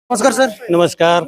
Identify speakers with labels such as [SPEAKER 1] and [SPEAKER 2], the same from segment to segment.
[SPEAKER 1] नमस्कार सर.
[SPEAKER 2] नमस्कार.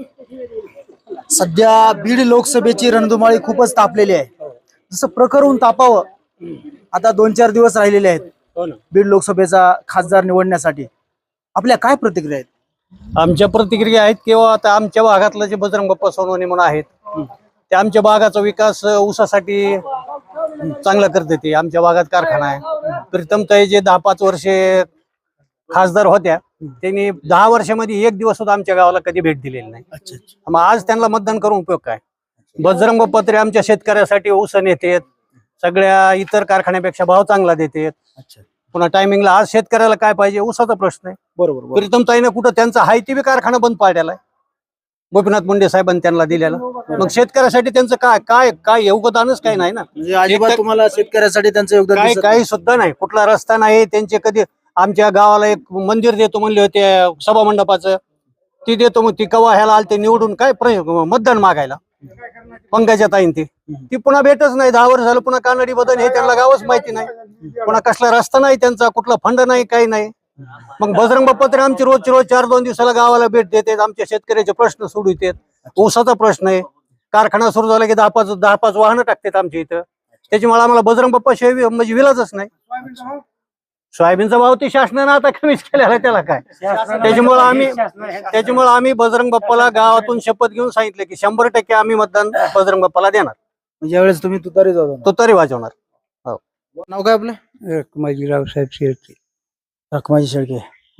[SPEAKER 1] सध्या बीड लोकसभेची रणधुमाळी खूपच तापलेली आहे. जसं प्रकरण तापावं आता 2-4 दिवस राहिलेले आहेत
[SPEAKER 2] हो ना.
[SPEAKER 1] बीड लोकसभेचा खासदार निवडण्यासाठी. आपल्या काय प्रतिक्रिया आहेत?
[SPEAKER 2] आमच्या प्रतिक्रिया आहेत किंवा आता आमच्या भागातलं जे बजरंग बाप्पा सोनवणे म्हणून आहेत ते आमच्या भागाचा विकास ऊसासाठी चांगला करते. ते आमच्या भागात कारखाना आहे. प्रीतमताई जे 10-5 वर्षे खासदार होत्या त्यांनी 10 वर्षामध्ये एक दिवस सुद्धा आमच्या गावाला कधी भेट दिलेली नाही.
[SPEAKER 1] अच्छा.
[SPEAKER 2] मग आज त्यांना मतदान करून उपयोग काय? बजरंग बाप्पा तरी आमच्या शेतकऱ्यासाठी ऊस नेतेत, सगळ्या इतर कारखान्यापेक्षा भाव चांगला देतेत.
[SPEAKER 1] अच्छा.
[SPEAKER 2] पुन्हा टायमिंगला आज शेतकऱ्याला काय पाहिजे? ऊसाचा प्रश्न आहे.
[SPEAKER 1] बरोबर.
[SPEAKER 2] प्रीतमताईनं कुठं त्यांचा हायती बी कारखाना बंद पाडलेला आहे, गोपीनाथ मुंडे साहेबांनी त्यांना दिलेला. मग शेतकऱ्यासाठी त्यांचं काय काय काय योगदानच काही नाही ना.
[SPEAKER 1] म्हणजे अजिबात तुम्हाला शेतकऱ्यासाठी त्यांचं योगदान
[SPEAKER 2] काय
[SPEAKER 1] दिसत
[SPEAKER 2] काही सुद्धा नाही. कुठला रस्ता नाही त्यांचे. कधी आमच्या गावाला एक मंदिर देतो म्हणले होते सभा मंडपाचं, ती देतो मग ती कवा ह्याला आलते निवडून काय मतदान मागायला पंकजा ताईन ती पुन्हा भेटच नाही. 10 वर्ष झालं. पुन्हा कानडी बदल हे त्यांना गावच माहिती नाही. पुन्हा कसला रस्ता नाही त्यांचा, कुठला फंड नाही, काही नाही. मग बजरंग बाप्पा तरी आमची रोज 4-2 दिवसाला गावाला भेट देतात, आमच्या शेतकऱ्याचे प्रश्न सोडवतात. ऊसाचा प्रश्न आहे, कारखाना सुरू झाला की 10-5 वाहनं टाकतात आमच्या इथं. त्याच्यामुळे आम्हाला बजरंग बाप्पा शिवाय म्हणजे विलाजच नाही. सोयाबीनचा भाव ते शासनानं आता कमीच केलेला आहे, त्याला काय. त्याच्यामुळे आम्ही बजरंग बाप्पाला गावातून शपथ घेऊन सांगितलं की 100% आम्ही मतदान बजरंग बाप्पाला देणार.
[SPEAKER 1] म्हणजे यावेळेस तुम्ही तुतारी जाऊ.
[SPEAKER 2] तो तरी वाजवणार.
[SPEAKER 1] नाव काय आपलं?
[SPEAKER 3] रखमाजी रावसाहेब शेळके.
[SPEAKER 1] रखमाजी शेळके.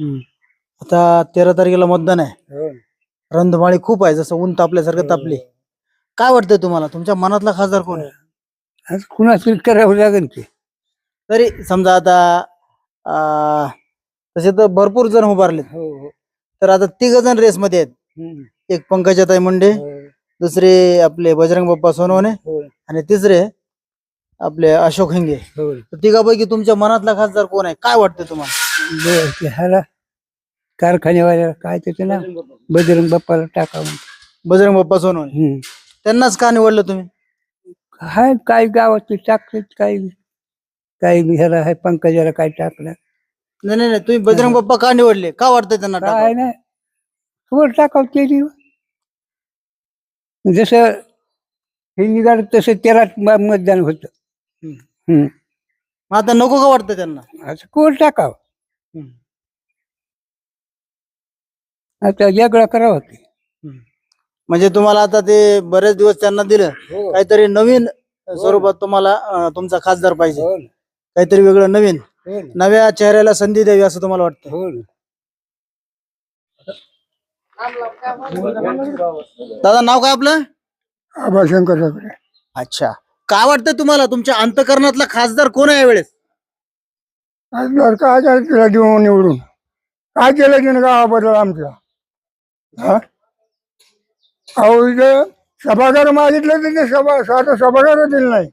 [SPEAKER 1] आता 13 तारखेला मतदान आहे. रणधुमाळी खूप आहे, जसं ऊन तापल्यासारखं तापली. काय वाटतंय तुम्हाला? तुमच्या मनातला खासदार कोण आहे?
[SPEAKER 3] आज कुणाचं करावं लागेल की.
[SPEAKER 1] तरी समजा आता तसे तर भरपूर जण उभारलेत. तर आता 3 जण रेस मध्ये आहेत. एक पंकजाताई मुंडे, दुसरे आपले बजरंग बाप्पा सोनवणे आणि तिसरे आपले अशोक हिंगे. तर तिघापैकी तुमच्या मनातला खासदार कोण आहे? काय वाटतं तुम्हाला?
[SPEAKER 3] ह्याला कारखान्यावाल्याला काय त्याचं ना बजरंग बाप्पाला टाकावं.
[SPEAKER 1] बजरंग बाप्पा सोनवणे त्यांनाच का निवडलं तुम्ही?
[SPEAKER 3] हाय काय गावात टाकतात, काही ह्याला आहे पंकजाला काय टाकलं.
[SPEAKER 1] नाही, तुम्ही बजरंग बाप्पा का निवडले? का वाटतंय त्यांना
[SPEAKER 3] काय
[SPEAKER 1] टाकावं?
[SPEAKER 3] नाही वर टाकावं केली. जसं हे निघालं तसं त्याला मतदान होतं.
[SPEAKER 1] मग आता नको का वाटतं त्यांना?
[SPEAKER 3] असं कोण टाकावं. आता वेगळा करावं की.
[SPEAKER 1] म्हणजे तुम्हाला आता ते बरेच दिवस त्यांना दिलं, काहीतरी नवीन स्वरूपात तुम्हाला तुमचा खासदार पाहिजे, काहीतरी वेगळं नवीन, नव्या चेहऱ्याला संधी द्यावी असं तुम्हाला वाटतं? दादा नाव काय आपलं?
[SPEAKER 3] आबाशंकर.
[SPEAKER 1] अच्छा. काय वाटतं तुम्हाला? तुमच्या अंतकरणातला खासदार कोण आहे यावेळेस?
[SPEAKER 3] काय तिला देऊ निवडून काय केलं की गावाबद्दल आमच्या. अहो इथं सभागार मागितलं तर ते सभागार दिलं नाही.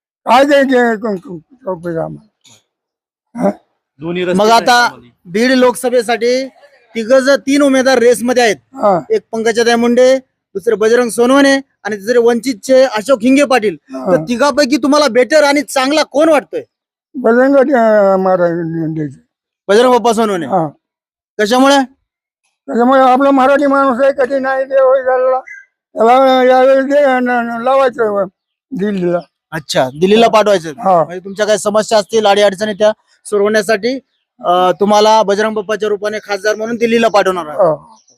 [SPEAKER 3] काय
[SPEAKER 1] मग आता बीड लोकसभेसाठी 3 उमेदवार रेस मध्ये आहेत. एक पंकजाताई मुंडे, दुसरे बजरंग सोनवणे आणि तिसरे वंचितचे अशोक हिंगे पाटील. तर तिघापैकी तुम्हाला बेटर आणि चांगला कोण वाटतोय?
[SPEAKER 3] बजरंग
[SPEAKER 1] बजरंग बाप्पा सोनवणे. कशामुळे?
[SPEAKER 3] त्याच्यामुळे आपला मराठी माणूस आहे, कधी नाही देव झाला त्याला यावेळी लावायचं दिल्लीला.
[SPEAKER 1] अच्छा, दिल्लीला पाठवायचं. म्हणजे तुमच्या काही समस्या असतील, अडी अडचणी त्या सोडवण्यासाठी तुम्हाला बजरंग बाप्पाच्या रूपाने खासदार म्हणून दिल्लीला पाठवणार आहे.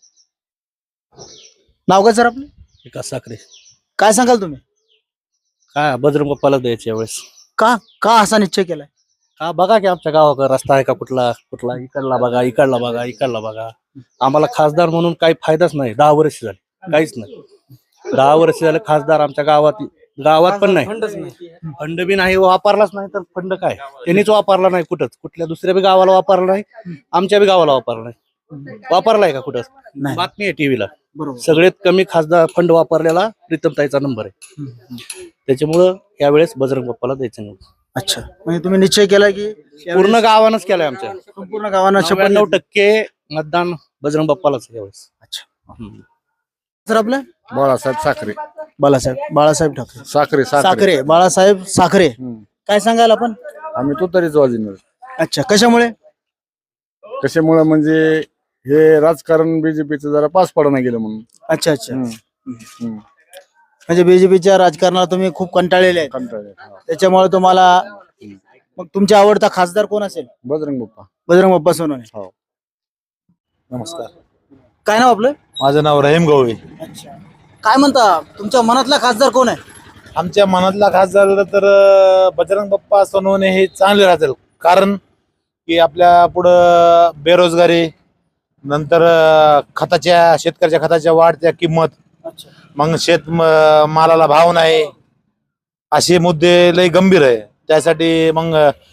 [SPEAKER 1] नाव काय सर आपलं?
[SPEAKER 2] विकास साखरे.
[SPEAKER 1] काय सांगाल तुम्ही?
[SPEAKER 2] काय बजरंग बाप्पाला द्यायच्या वेळेस
[SPEAKER 1] का असा निश्चय केलाय?
[SPEAKER 2] हा बघा की आमच्या गावाकडे रस्ता आहे का कुठला इकडला बघा, इकडला बघा. आम्हाला खासदार म्हणून काही फायदाच नाही. 10 वर्ष झाले काहीच नाही. 10 वर्ष झाले खासदार आमच्या गावात पण नाही. फंड बी नाही, वापरलाच नाही. तर फंड काय त्यांनीच वापरला नाही कुठल्या दुसऱ्या बी गावाला वापरला नाही, आमच्या बी गावाला वापरला नाही. वापरलाय का कुठं? बातमी आहे टीव्हीला. सगळ्यात कमी खासदार फंड वापरलेला प्रीतमताईचा नंबर आहे. त्याच्यामुळं यावेळेस बजरंग बाप्पाला द्यायचं नाही.
[SPEAKER 1] अच्छा, म्हणजे तुम्ही निश्चय केला की
[SPEAKER 2] पूर्ण गावानंच केलाय. आमच्या
[SPEAKER 1] संपूर्ण गावांना
[SPEAKER 2] 99% मतदान बजरंग बाप्पालाच यावेळेस.
[SPEAKER 1] अच्छा. सर आपलं?
[SPEAKER 4] बाळासाहेब साखरे.
[SPEAKER 1] बाळासाहेब ठाकरे.
[SPEAKER 4] साखरे.
[SPEAKER 1] बाळासाहेब साखरे. काय सांगाल आपण?
[SPEAKER 4] आम्ही तो तरीच वाजणार.
[SPEAKER 1] अच्छा, कशामुळे?
[SPEAKER 4] म्हणजे हे राजकारण बीजेपीचं जरा पास पडणं गेलं म्हणून.
[SPEAKER 1] अच्छा अच्छा.
[SPEAKER 4] हम्म.
[SPEAKER 1] म्हणजे बीजेपीच्या राजकारणाला तुम्ही खूप कंटाळलेले आहेत,
[SPEAKER 4] कंटाळले. हा.
[SPEAKER 1] त्याच्यामुळे तुम्हाला मग तुमचा आवडता खासदार कोण असेल?
[SPEAKER 4] बजरंग बाप्पा.
[SPEAKER 1] बजरंग बाप्पा सोनवणे.
[SPEAKER 4] हो. नमस्कार.
[SPEAKER 1] काय नाव आपलं?
[SPEAKER 5] माझं नाव रहीम गवळी.
[SPEAKER 1] अच्छा. काय म्हणता, तुमच्या मनातला खासदार कोण आहे?
[SPEAKER 5] आमच्या मनातला खासदार झालं तर बजरंग बाप्पा सोनवणे हे चांगले राहतील. कारण की आपल्या पुढं बेरोजगारी, नंतर शेतकऱ्याच्या खताच्या वाढत्या किंमत,
[SPEAKER 1] अच्छा.
[SPEAKER 5] मग मालाला भाव नाही, असे मुद्दे लय गंभीर आहे. त्यासाठी मग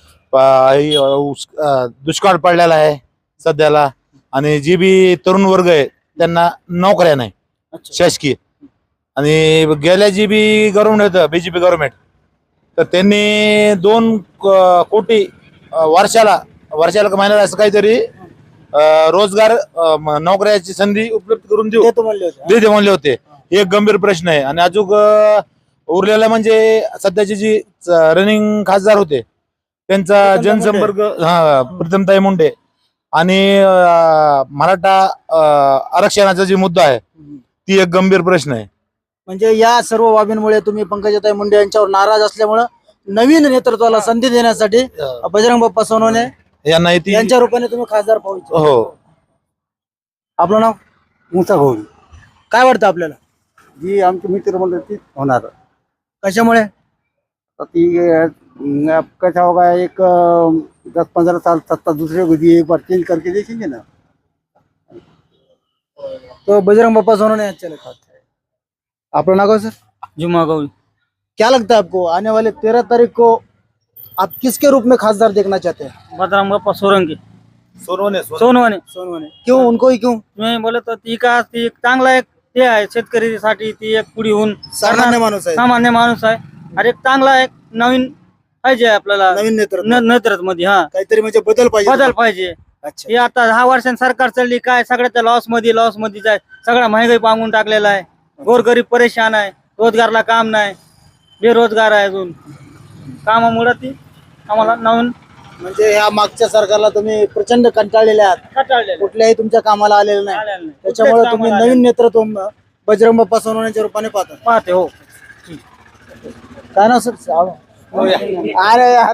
[SPEAKER 5] दुष्काळ पडलेला आहे सध्याला, आणि जी बी तरुण वर्ग आहे त्यांना नोकऱ्या नाही शासकीय. आणि गेल्या जी बी गव्हर्नमेंट होतं बीजेपी गव्हर्नमेंट, तर त्यांनी 2 कोटी वर्षाला का महिन्याला असं काहीतरी रोजगार नोकऱ्याची संधी उपलब्ध करून
[SPEAKER 1] देतो म्हणले होते.
[SPEAKER 5] देते म्हणले होते. हे एक गंभीर प्रश्न आहे. आणि अजून उरलेला म्हणजे सध्याचे जी रनिंग खासदार होते त्यांचा
[SPEAKER 1] प्रीतमताई
[SPEAKER 5] जनसंपर्क, प्रीतमताई मुंडे, आणि मराठा आरक्षणाचा जो मुद्दा आहे ती एक गंभीर प्रश्न आहे.
[SPEAKER 1] म्हणजे या सर्व बाबींमुळे तुम्ही पंकजाताई मुंडे यांच्यावर नाराज असल्यामुळे नवीन नेतृत्वाला संधी देण्यासाठी बजरंग बाप्पा सोनवणे
[SPEAKER 5] यांना
[SPEAKER 1] यांच्या रूपाने तुम्ही खासदार पाहू इच्छिता.
[SPEAKER 5] हो.
[SPEAKER 1] आपलं नाव?
[SPEAKER 3] मुसा भाऊ
[SPEAKER 1] काय वाटतं आपल्याला?
[SPEAKER 3] जी आमची मित्र म्हणलं ती होणार.
[SPEAKER 1] कशामुळे?
[SPEAKER 3] तर ती कसं होगा, एक 10-15 साल सत्ता दूसरे को दी, एक बार चेंज करके देखेंगे ना.
[SPEAKER 1] तो बजरंग बाप्पा सोनवणे अच्छा लगता है. आपका नाम सर?
[SPEAKER 6] जुम्मा गौरी।
[SPEAKER 1] क्या लगता है आपको आने वाले 13 तारीख को आप किसके रूप में खासदार देखना चाहते हैं?
[SPEAKER 6] बजरंग बाप्पा सोरंगी
[SPEAKER 5] सोनवणे
[SPEAKER 6] सोनवणे।
[SPEAKER 1] सोनवणे. क्यों? उनको ही क्यों?
[SPEAKER 6] तुम्ही बोलत ती का ती एक चांगला एक ते आहे शेतकरीसाठी, ती एक पुढे होऊन
[SPEAKER 1] सामान्य माणूस आहे,
[SPEAKER 6] सामान्य माणूस आहे. अरे एक चांगला एक नवीन पाहिजे आपल्याला
[SPEAKER 1] नवीन नेतृत्व,
[SPEAKER 6] नेतृत्व मध्ये. हा
[SPEAKER 1] काहीतरी म्हणजे बदल पाहिजे.
[SPEAKER 6] बदल पाहिजे.
[SPEAKER 1] अच्छा.
[SPEAKER 6] हे आता 10 वर्षांनी सरकार चालली काय सगळ्याच्या लॉस मध्ये जाय, सगळा महागाई पांगून टाकलेला आहे. गोरगरीब परेशान आहे, रोजगारला काम नाही, बेरोजगार आहे अजून. कामामुळे ती आम्हाला नवीन
[SPEAKER 1] म्हणजे ह्या मागच्या सरकारला तुम्ही प्रचंड कंटाळलेले आहात,
[SPEAKER 6] कंटाळलेलं
[SPEAKER 1] कुठल्याही तुमच्या कामाला आलेलं नाही,
[SPEAKER 6] आलेलं नाही.
[SPEAKER 1] त्याच्यामुळे
[SPEAKER 6] कुठल्याच
[SPEAKER 1] तुम्ही
[SPEAKER 6] कामाला
[SPEAKER 1] नवीन नेतृत्व बजरंग बाप्पा सोनवण्याच्या रूपाने पाहता.
[SPEAKER 6] पाहते. हो.
[SPEAKER 1] काय ना सर? अरे यार.